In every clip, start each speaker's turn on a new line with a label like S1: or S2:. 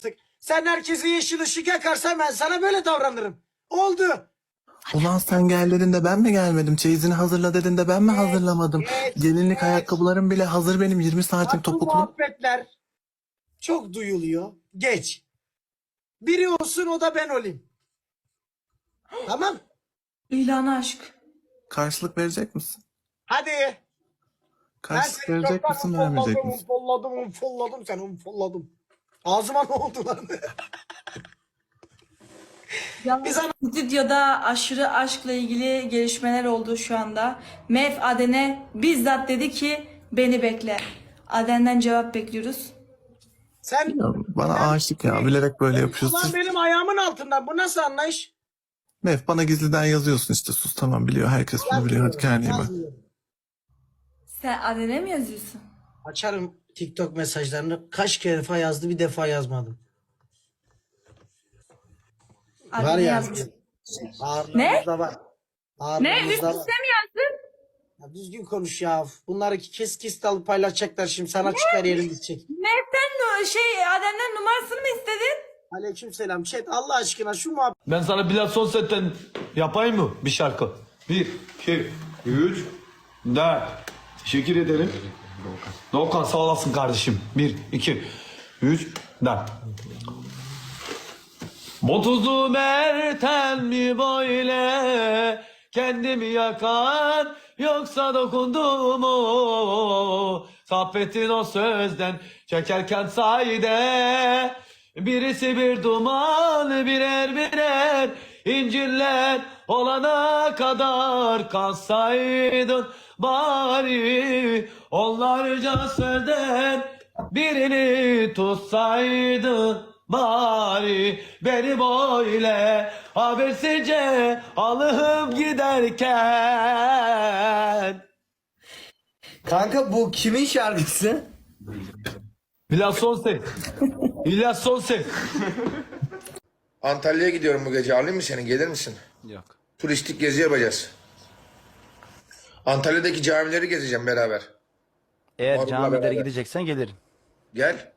S1: Sen herkese yeşil ışık yakarsan ben sana böyle davranırım. Oldu.
S2: Ulan sen gel dedin de ben mi gelmedim? Çeyizini hazırla dedin de ben mi hazırlamadım? Gelinlik ayakkabılarım bile hazır benim 20 saatim
S1: Bak bu
S2: topuklu.
S1: muhabbetler çok duyuluyor. Geç. Biri olsun o da ben olayım. Tamam.
S3: İlanı aşk.
S2: Karşılık verecek misin?
S1: Hadi. Ben
S2: Karşılık
S1: seni
S2: verecek
S1: çoktan
S2: misin vermeyecek
S1: unfolladım,
S2: misin?
S1: unfolladım seni unfolladım. Ağzıma ne oldu lan?
S3: Yalnız stüdyoda aşırı aşkla ilgili gelişmeler oldu şu anda. Mev Aden'e bizzat dedi ki beni bekle. Aden'den cevap bekliyoruz.
S1: Sen
S2: Ya bana aşık ya bilerek böyle yapıyorsun.
S1: ulan benim ayağımın altından. Bu nasıl anlayış?
S2: Mef bana gizliden yazıyorsun işte sus tamam biliyor herkes bunu biliyor hadi kendine iyi bak.
S1: Yazmıyorum.
S3: Sen Aden'e mi yazıyorsun?
S1: Açarım TikTok mesajlarını. Kaç kere yazdı bir defa yazmadım. Var
S3: Aden'e
S1: ya.
S3: yazmış.
S1: Ağırlığımızda var.
S3: Ne?
S1: Ağırlığımızda
S3: Üst
S1: var.
S3: üste mi yazdın?
S1: Ya düzgün konuş ya. Bunları kes alıp paylaşacaklar şimdi. Sana çıkar yerim gidecek.
S3: Mev'den Aden'den numarasını mı istedin?
S1: Aleykümselam. Chat Allah aşkına şu muhabbet.
S4: Ben sana biraz son setten yapayım mı bir şarkı? 1, 2, 3, 4. Teşekkür ederim. Doğukan sağ olasın kardeşim. 1, 2, 3, 4. Bu tuzu merten mi böyle kendimi yakar yoksa dokundu mu? Saffetin o sözden çekerken sahide birisi bir duman birer birer incirler olana kadar kalsaydın bari onlarca sözden birini tutsaydın. Bari beni böyle habersizce alıp giderken.
S5: Kanka bu kimin şarkısı?
S4: İlyas Sonses. İlyas Sonses.
S6: Antalya'ya gidiyorum bu gece. Alayım mı seni? Gelir misin?
S4: Yok.
S6: Turistik gezi yapacağız. Antalya'daki camileri gezeceğim beraber.
S7: Eğer
S6: Marul'la
S7: camilere
S6: beraber.
S7: gideceksen gelirim.
S6: Gel.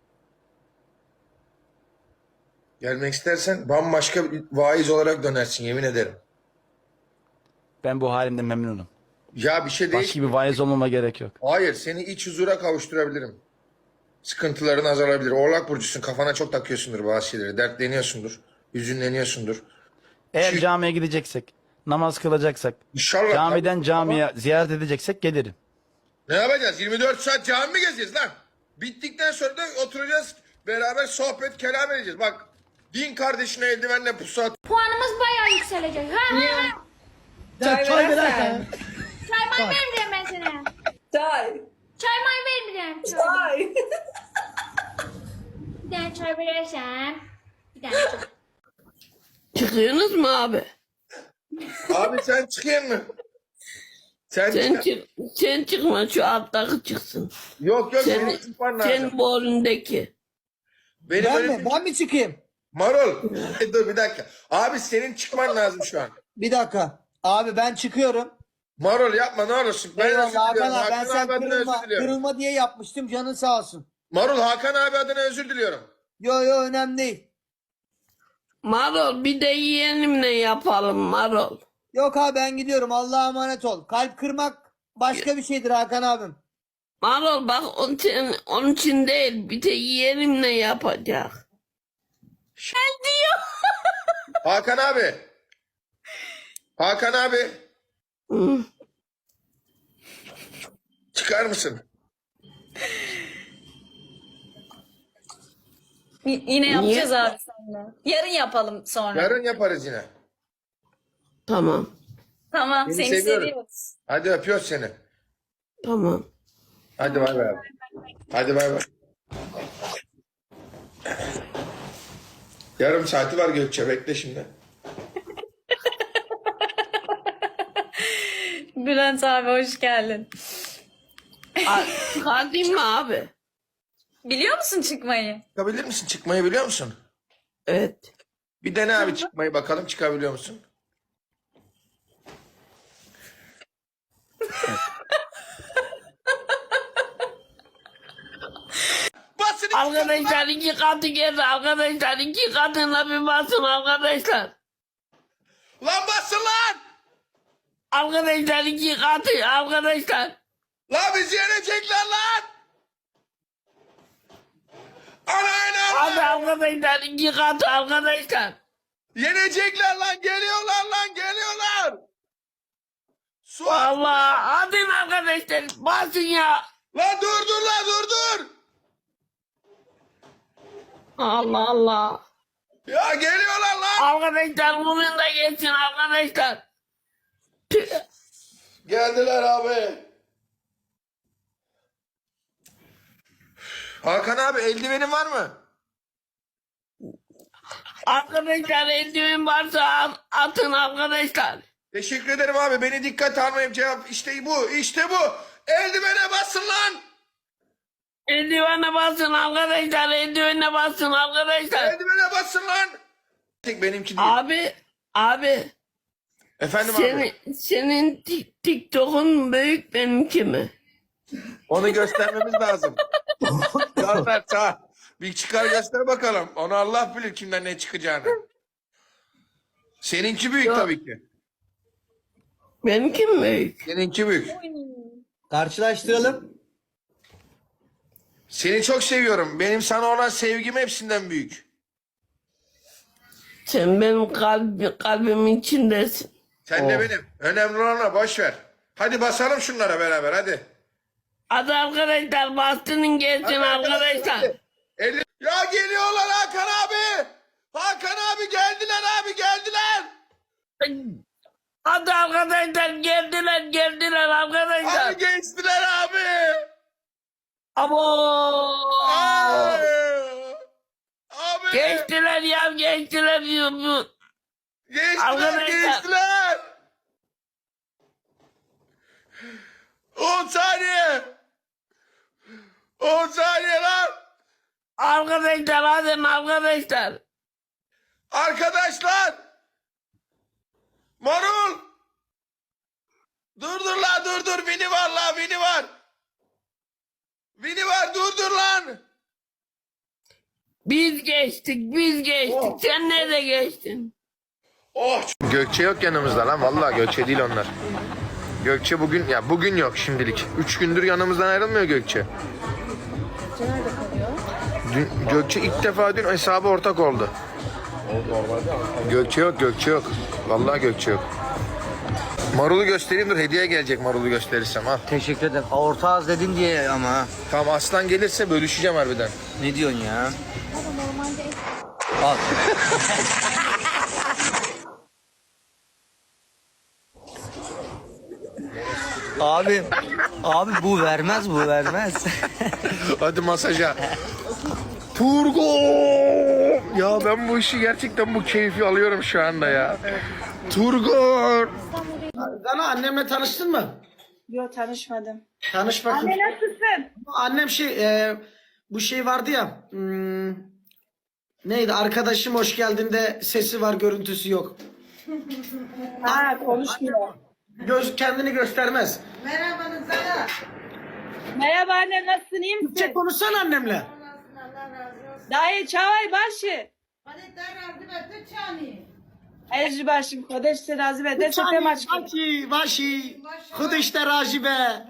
S6: Gelmek istersen bambaşka bir vaiz olarak dönersin yemin ederim.
S7: Ben bu halimden memnunum.
S6: Ya bir şey değil.
S7: Başka bir vaiz olmama gerek yok.
S6: Hayır seni iç huzura kavuşturabilirim. Sıkıntıların azalabilir. Oğlak burcusun kafana çok takıyorsundur bazı şeyleri. Dertleniyorsundur. Hüzünleniyorsundur.
S7: Eğer
S6: Şu-
S7: camiye gideceksek, namaz kılacaksak,
S6: İnşallah.
S7: camiden
S6: tabii.
S7: camiye ziyaret edeceksek gelirim.
S6: Ne yapacağız? 24 saat cami mi gezeceğiz lan? Bittikten sonra da oturacağız. Beraber sohbet kelam edeceğiz. Bak din kardeşine eldivenle pusat.
S8: Puanımız bayağı yükselecek. Ha ha ha.
S5: Çay verirsen.
S8: Çay may vermeyeceğim ben sana.
S3: Çay.
S8: Çay may vermeyeceğim. Çay. Bir tane çay verirsen. Bir tane çay.
S9: Çıkıyorsunuz mu abi?
S6: Abi sen çıkayım mı? Sen
S9: Sen
S6: çık.
S9: çık, sen çıkma şu alttaki çıksın.
S6: Yok
S9: Sen,
S6: senin çıkman lazım.
S9: sen bu önündeki.
S6: Benim
S5: Ben
S6: öyle
S5: mi? Ben mi çıkayım?
S6: Marul. Dur bir dakika. Abi senin çıkman lazım şu an.
S5: Bir dakika. Abi ben çıkıyorum.
S6: Marul yapma ne olursun. Ben özür
S5: Eyvallah Hakan
S6: diliyorum.
S5: abi. Ben
S6: Hakan
S5: sen
S6: abi adına
S5: kırılma,
S6: özür diliyorum.
S5: kırılma diye yapmıştım. Canın sağ olsun.
S6: Marul Hakan abi adına özür diliyorum.
S5: Yo yo önemli değil.
S9: Marol bir de yeğenimle yapalım Marol.
S5: Yok abi ben gidiyorum. Allah'a emanet ol. Kalp kırmak başka bir şeydir Hakan abim.
S9: Marol bak onun için değil bir de yeğenimle yapacak.
S6: Hakan abi. Hakan abi.
S9: Hı.
S6: Çıkar mısın?
S3: Yine yapacağız abi seninle. Yarın yapalım sonra.
S6: Yarın yaparız yine.
S9: Tamam.
S3: Tamam
S6: Seni
S3: seni
S6: seviyorum.
S3: seviyoruz.
S6: Hadi öpüyoruz seni.
S9: Tamam.
S6: Hadi bay bay. Hadi bay bay. Yarım saati var Gökçe. Bekle şimdi.
S3: Bülent abi hoş geldin.
S9: Çıkartayım mı abi?
S3: Biliyor musun çıkmayı?
S6: Çıkabilir misin? Çıkmayı biliyor musun?
S9: Evet.
S6: Bir dene abi çıkmayı bakalım çıkabiliyor musun? Basın
S9: Arkadaşlar 2 katı geldi. Arkadaşlar 2 katına bir basın arkadaşlar.
S6: Lan basın lan.
S9: Arkadaşlar 2 katı arkadaşlar.
S6: Lan bizi yenecekler lan. Ana.
S9: Hadi arkadaşlar 2 katı arkadaşlar.
S6: Yenecekler lan, geliyorlar lan, geliyorlar. Su.
S9: Allah hadi arkadaşlar basın ya.
S6: Lan dur lan dur.
S9: Allah Allah.
S6: Ya geliyorlar lan.
S9: Arkadaşlar bugün de geçsin arkadaşlar.
S6: Geldiler abi. Hakan abi eldivenin var mı?
S9: Arkadaşlar eldiven varsa atın arkadaşlar.
S6: Teşekkür ederim abi. Beni dikkat almayayım cevap. İşte bu. Eldivene basın lan.
S9: Eldivene basın arkadaşlar. Eldivene basın arkadaşlar.
S6: Eldivene basın lan. Tek benimki değil.
S9: Abi.
S6: Efendim abi.
S9: Senin TikTok'un büyük benimki mi?
S6: Onu göstermemiz lazım. Göster sağ. Bir çıkar göster bakalım. Onu Allah bilir kimden ne çıkacağını. Seninki büyük tabii ki.
S9: Benimki mi büyük?
S6: Seninki büyük.
S5: Karşılaştıralım.
S6: Seni çok seviyorum. Benim sana olan sevgim hepsinden büyük.
S9: Sen benim kalbimin içindesin.
S6: Sen de benim. Önemli olanla boş ver. Hadi basalım şunlara beraber hadi.
S9: Hadi arkadaşlar bastının gelsin arkadaşlar.
S6: Ya geliyorlar Hakan abi. Hakan abi geldiler abi geldiler.
S9: Hadi arkadaşlar geldiler arkadaşlar.
S6: Abi geçtiler abi.
S9: Abo.
S6: Abi.
S9: Geçtiler ya geçtiler. Arkadaşlar.
S6: Geçtiler. 10 saniye. 10 saniye lan.
S9: Arkadaşlar hadi arkadaşlar.
S6: Arkadaşlar. Marul. Dur lan dur. Vini var lan Vini var. Vini var dur lan.
S9: Biz geçtik. Sen nerede geçtin?
S6: Oh.
S10: Gökçe yok yanımızda lan. Vallahi Gökçe değil onlar. Gökçe bugün yok şimdilik. 3 gündür yanımızdan ayrılmıyor Gökçe. Gökçe nerede kalıyor? Gökçe ilk defa dün hesabı ortak oldu. Gökçe yok. Vallahi Gökçe yok. Marul'u göstereyim dur, hediye gelecek Marul'u gösterirsem al.
S5: Teşekkür ederim. Orta az dedin diye ama.
S10: Tamam aslan gelirse bölüşeceğim harbiden.
S5: Ne diyorsun ya? Al. Abi bu vermez.
S10: Hadi masaja. Turgo! Ya ben bu işi gerçekten bu keyfi alıyorum şu anda ya. Turgo!
S1: Dana annemle tanıştın mı?
S3: Yok tanışmadım.
S1: Tanış bakayım.
S3: Anne nasılsın?
S1: Annem bu şey vardı ya. Neydi? Arkadaşım hoş geldin sesi var, görüntüsü yok.
S3: Ha konuşmuyor.
S1: Kendini göstermez.
S3: Merhaba anne nasılsın iyi misin?
S1: Türkçe konuşsana annemle.
S3: Dayı çavay başı. Ejri başım kodeş se razı be de sepe maç.
S1: Vaşi. Hıdışta rajibe.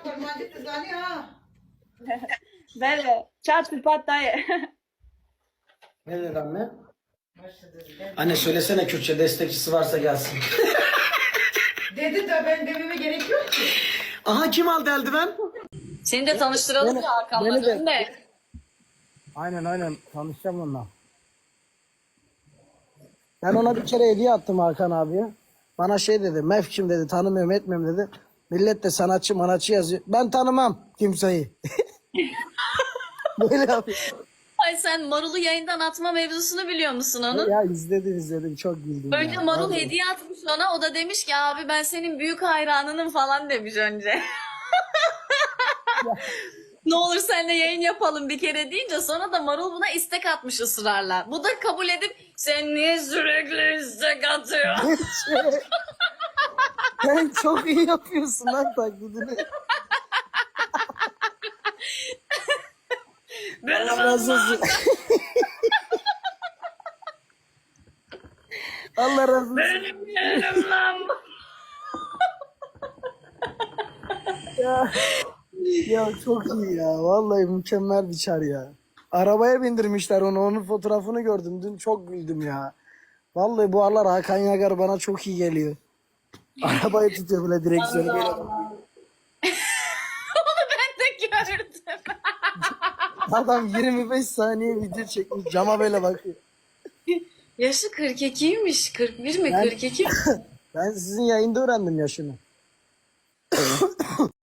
S3: Böyle çat sıfat dayı.
S1: Ne dedi anne? Anne söylesene Kürtçe, destekçisi varsa gelsin.
S11: Dedi de ben dememe gerek yok ki.
S1: Aha kim aldı eldiven?
S11: Seni de tanıştıralım ya Hakan'la de.
S1: Aynen tanışacağım onunla. Ben ona bir kere hediye attım Hakan abiye. Bana şey dedi, Mefkim dedi, tanımıyorum etmiyorum dedi. Millet de sanatçı manatçı yazıyor. Ben tanımam kimseyi. Böyle yapıyor.
S11: Ay sen Marul'u yayından atma mevzusunu biliyor musun onun?
S1: Ya izledim çok güldüm.
S11: Önce
S1: ya.
S11: Marul
S1: Vallahi.
S11: hediye atmış ona. O da demiş ki abi ben senin büyük hayranınım falan demiş önce. Ne olur seninle yayın yapalım bir kere deyince sonra da Marul buna istek atmış ısrarla. Bu da kabul edip sen niye sürekli istek atıyorsun?
S1: Sen çok iyi yapıyorsun lan taklidini. Allah razı olsun. Allah razı olsun.
S11: Benim yeğenim lan.
S1: Ya çok iyi ya. Vallahi mükemmel bir çar ya. Arabaya bindirmişler onu. Onun fotoğrafını gördüm. Dün çok güldüm ya. Vallahi bu aralar Hakan Yagar bana çok iyi geliyor. Arabayı tutuyor böyle direksiyonu böyle.
S11: Onu ben de gördüm.
S1: Adam 25 saniye video çekmiş. Cama böyle bakıyor.
S11: Yaşı 42'ymiş. 41 mi?
S1: Ben-
S11: 42 mi?
S1: Ben sizin yayında öğrendim yaşını.